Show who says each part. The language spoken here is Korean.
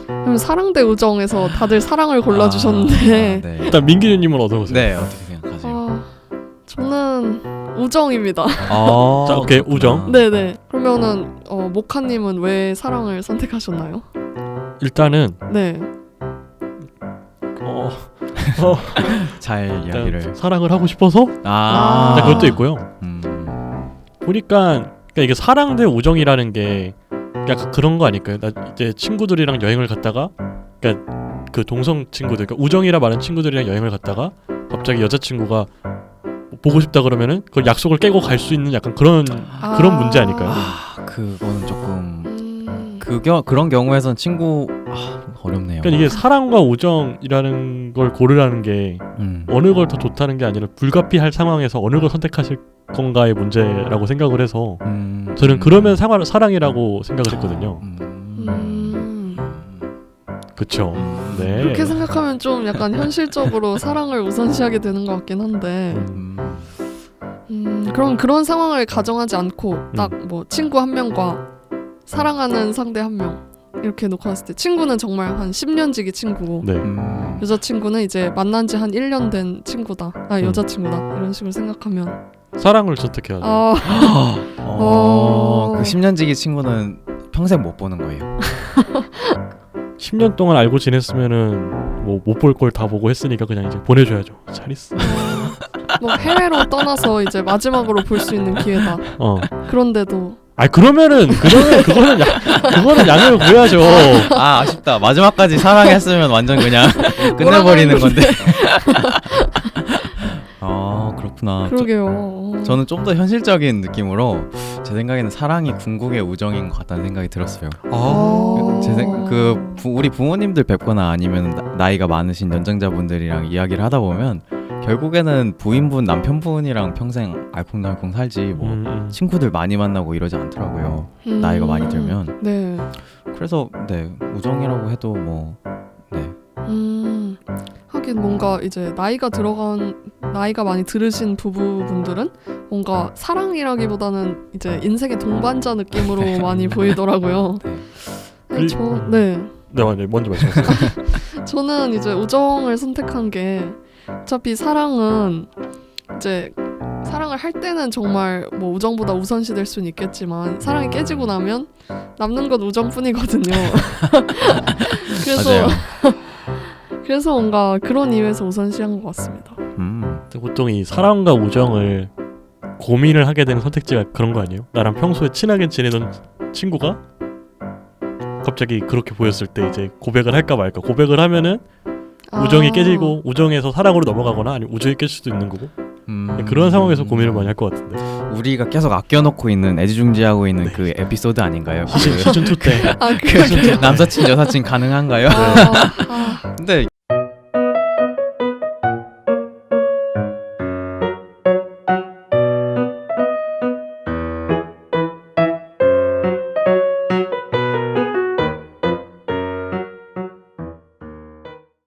Speaker 1: 그럼 사랑 대 우정에서 다들 사랑을 골라주셨는데
Speaker 2: 네.
Speaker 3: 일단 민기님은 어떤 거세요?
Speaker 2: 네, 어떻게 생각하세요?
Speaker 1: 저는 우정입니다.
Speaker 3: 자, 오케이, 우정.
Speaker 1: 네네. 그러면은 모카님은 왜 사랑을 선택하셨나요?
Speaker 3: 일단은
Speaker 1: 네.
Speaker 2: 잘
Speaker 3: 일단
Speaker 2: 이야기를.
Speaker 3: 사랑을 하고 싶어서
Speaker 2: 아,
Speaker 3: 일단 그것도 있고요.
Speaker 2: 음.
Speaker 3: 보니까 그러니까 이게 사랑 대 우정이라는 게 약간 그런 거 아닐까요? 나 이제 친구들이랑 여행을 갔다가 그러니까 그 동성 친구들, 그러니까 우정이라 말하는 친구들이랑 여행을 갔다가 갑자기 여자친구가 보고 싶다 그러면은 그걸 약속을 깨고 갈 수 있는 약간 그런 문제 아닐까요?
Speaker 2: 그거는 조금 그런 경우에선 친구 어렵네요.
Speaker 3: 그러니까 이게 사랑과 우정이라는 걸 고르라는 게 어느 걸 더 좋다는 게 아니라 불가피할 상황에서 어느 걸 선택하실 건가의 문제라고 생각을 해서 저는 그러면 사랑이라고 생각을 했거든요. 그쵸. 네.
Speaker 1: 그렇게 생각하면 좀 약간 현실적으로 사랑을 우선시하게 되는 것 같긴 한데 그럼 그런 상황을 가정하지 않고 딱 뭐 친구 한 명과 사랑하는 상대 한 명 이렇게 놓고 봤을 때 친구는 정말 한 10년 지기 친구고
Speaker 3: 네.
Speaker 1: 여자친구는 이제 만난 지 한 1년 된 친구다. 여자친구다. 이런 식으로 생각하면
Speaker 3: 사랑을 선택해야죠.
Speaker 2: 그 10년지기 친구는 평생 못 보는 거예요.
Speaker 3: 10년 동안 알고 지냈으면은 뭐 못 볼 걸 다 보고 했으니까 그냥 이제 보내줘야죠. 잘 있어.
Speaker 1: 뭐 해외로 떠나서 이제 마지막으로 볼 수 있는 기회다. 그런데도
Speaker 3: 그거는 양해를 구해야죠.
Speaker 2: 아쉽다. 마지막까지 사랑했으면 완전 그냥 끝내버리는 건데. 그렇구나.
Speaker 1: 그러게요.
Speaker 2: 저는 좀 더 현실적인 느낌으로 제 생각에는 사랑이 궁극의 우정인 것 같다는 생각이 들었어요. 우리 부모님들 뵙거나 아니면 나이가 많으신 연장자분들이랑 이야기를 하다 보면 결국에는 부인분, 남편분이랑 평생 알콩달콩 살지 뭐 친구들 많이 만나고 이러지 않더라고요. 나이가 많이 들면.
Speaker 1: 네.
Speaker 2: 그래서 네, 우정이라고 해도 뭐 네.
Speaker 1: 하긴 뭔가 이제 나이가 많이 들으신 부부분들은 뭔가 사랑이라기보다는 이제 인생의 동반자 느낌으로 많이 보이더라고요.
Speaker 3: 네, 먼저 말씀하세요.
Speaker 1: 저는 이제 우정을 선택한 게 어차피 사랑은 이제 사랑을 할 때는 정말 뭐 우정보다 우선시 될 수는 있겠지만 사랑이 깨지고 나면 남는 건 우정뿐이거든요. 그래서 뭔가 그런 이유에서 우선시한 것 같습니다.
Speaker 3: 보통 이 사랑과 우정을 고민을 하게 되는 선택지가 그런 거 아니에요? 나랑 평소에 친하게 지내던 친구가 갑자기 그렇게 보였을 때 이제 고백을 할까 말까. 고백을 하면은 우정이 깨지고 우정에서 사랑으로 넘어가거나 아니면 우정이 깨질 수도 있는 거고 그런 상황에서 고민을 많이 할 것 같은데
Speaker 2: 우리가 계속 아껴놓고 있는 애지중지하고 있는 그 에피소드 아닌가요?
Speaker 3: 시즌 2 때
Speaker 2: 남사친 여사친 가능한가요? 근데